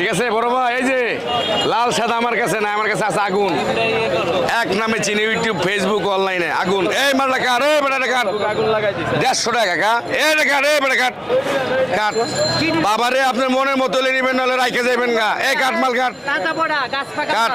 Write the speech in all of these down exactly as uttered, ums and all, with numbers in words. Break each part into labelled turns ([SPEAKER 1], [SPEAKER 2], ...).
[SPEAKER 1] ঠিক আছে বড় ভাই, এই যে লাল সাদা আমার কাছে না, আমার কাছে আছে আগুন। এক নামে চিনি, ইউটিউব ফেসবুক অনলাইনে আগুন। এই মালটা কার, এই বেটা কার, দেড়শো টাকা কা, এই কার, এই বেটা কাট কাট। বাবারে আপনার মনের মতো নেবেন, নাহলে রাইখে যাবেন গা। এই কাঠ মাল কাট কাট।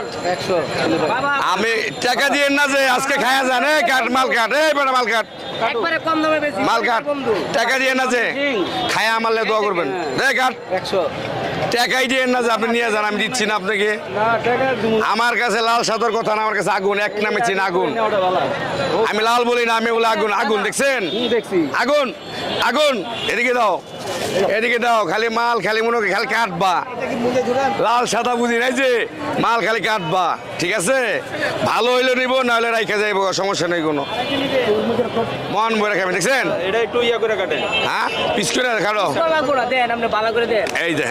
[SPEAKER 1] আমি টাকা দিয়ে না যে আজকে খায়া যান। এই কাঠ মাল কাট, এই বেটা মাল কাট মাল কাট। টাকা দিয়ে না যে খায়া মারলে দোয়া করবেন। এই কাঠ টাকাই দিয়ে না যে আপনি নিয়ে যান, আমি দিচ্ছি না আপনাকে। আমার কাছে লাল সাদার কথা না, আমার কাছে আগুন। এক নামে চিন আগুন। আমি লাল বলি না, আমি বলে আগুন। আগুন দেখছেন? আগুন আগুন। এদিকে দাও, এদিকে দাও। খালি মাল খালি মনে খালি কাটবা, লাল সাদা বুঝি নাই যে মাল খালি কাটবা। ঠিক আছে, ভালো হইলে নিব, না হলে রাইখা যাইব, সমস্যা নেই কোনো। মন বইরা খাবেন। দেখছেন?
[SPEAKER 2] এটা একটু ইয়া করে কাটেন।
[SPEAKER 1] হ্যাঁ, পিস করে খাড়ো। এই দেখেন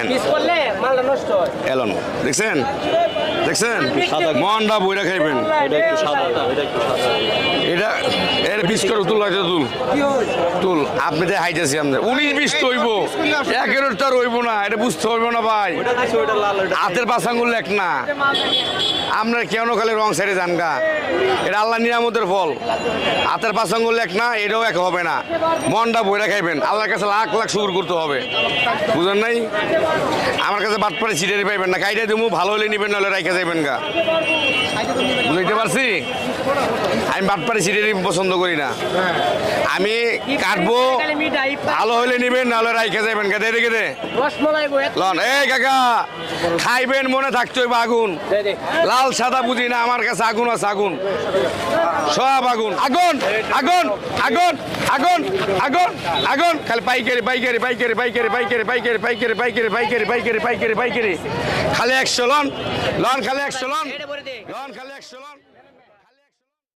[SPEAKER 1] এলন, দেখছেন দেখছেন মনটা বইরা খাইবেন।
[SPEAKER 2] এটা একটু সাদা, এটা একটু সাদা।
[SPEAKER 1] এটা এর বিশ করে তুল আছে, তুল তুল। আপনি যে হাইতেছি আমাদের উনিশ বিশ তৈব, একের তার রইব না, এটা বুঝতে হইব না ভাই।
[SPEAKER 2] ওটা দিছে, ওটা লাল, ওটা
[SPEAKER 1] হাতের পাশাঙ্গুল এক না, আপনার কেন খালি রং সাইডে যান গা। এটা আল্লাহ নিয়ামতের ফল। হাতের পাশাঙ্গুল এক না, এটাও এক হবে না। মনটা বইরা খাইবেন, আল্লাহর কাছে লাখ লাখ শুকর করতে হবে। বুঝেন নাই? আমার কাছে বাটপাড়ে ছিটারি পাইবেন না, কাইটা দেবো, ভালো হলে নিবেন, নাহলে রাইখা যাইবেন গা। বুঝতে পারছি? আমি বাটপাড়ে ছিটারি পছন্দ করি না। আমি কাটবো, ভালো হলে নিবেন, নাহলে রাইখা যাইবেন গা। দে দেখে দে লন। এই কাকা খাইবেন, মনে থাকতে হইব আগুন। লাল সাদা বুঝি না, আমার কাছে আগুন আছে। আগুন সব আগুন। আগুন আগুন আগুন আগুন আগুন আগুন। খালি পাইকারি পাইকারি পাইকারি পাইকারি পাইকারি পাইকারি পাইকারি পাইকারি পাইকারি পাইকারি পাইকারি পাইকারি। খালি একশো লন লন, খালি একশো লন লন, খালি একশো লন।